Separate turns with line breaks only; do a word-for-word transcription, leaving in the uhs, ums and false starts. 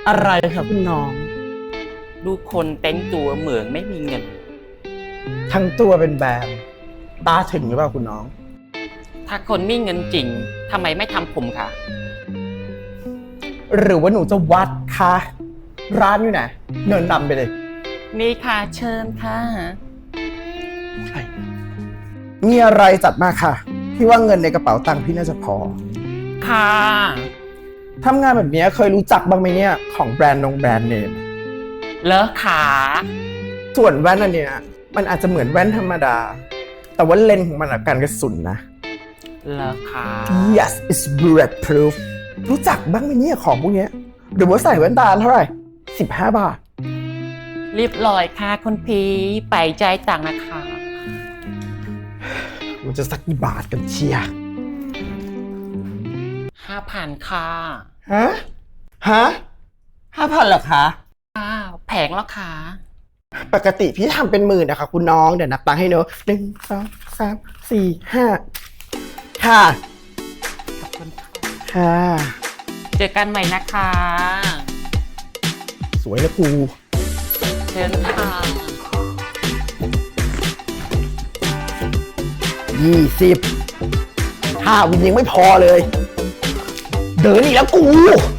อะไรครับคุณน้อง
ดูคนแต่งตัวเหมืองไม่มีเงิน
ทั้งตัวเป็นแบรนด์ตาถึงหรือเปล่าคุณน้อง
ถ้าคนมีเงินจริงทำไมไม่ทำผมคะ
หรือว่าหนูจะวัดคะร้านอยู่ไหนเดินนำไปเลย
นี่ค่ะเชิญค่ะ
มีอะไรจัดมาค่ะ พี่ว่าเงินในกระเป๋าตังค์พี่น่าจะพอ
ค่ะ
ทำงานแบบนี้เคยรู้จักบ้างไหมเนี่ยของแบรนด์นงแบรนด์เนม
เลอะขา
ส่วนแว่นอันเนี้ยมันอาจจะเหมือนแว่นธรรมดา แต่ว่าเลนส์ของมันอะกันกระสุนนะ
เลอะขา
yes it's bulletproof รู้จักบ้างไหมเนี่ยของพวกเนี้ยหรือว่าใส่แว่นตาเท่าไหร่สิบห้าบาท
รีบลอยค่ะคุณพีไปใจายต่างค์นะคะ
มันจะสักกี่บาทกันเชียร์
ห้าพันค่ะ
ฮะ ฮะห้าพันเหรอคะ
อ้าวแผงแล้วค่ะ
ปกติพี่ทำเป็นหมื่นนะคะคุณน้อง เดี๋ยวนับตังค์ให้เนอะหนึ่งสองสามสี่ห้าค่ะ
ขอบคุณค่ะ
ค่ะ
เจอกันใหม่นะคะ
สวยนะกู
เชิญค่ะ
ยี่สิบห้าวินยังไม่พอเลย เดินอีกแล้วกู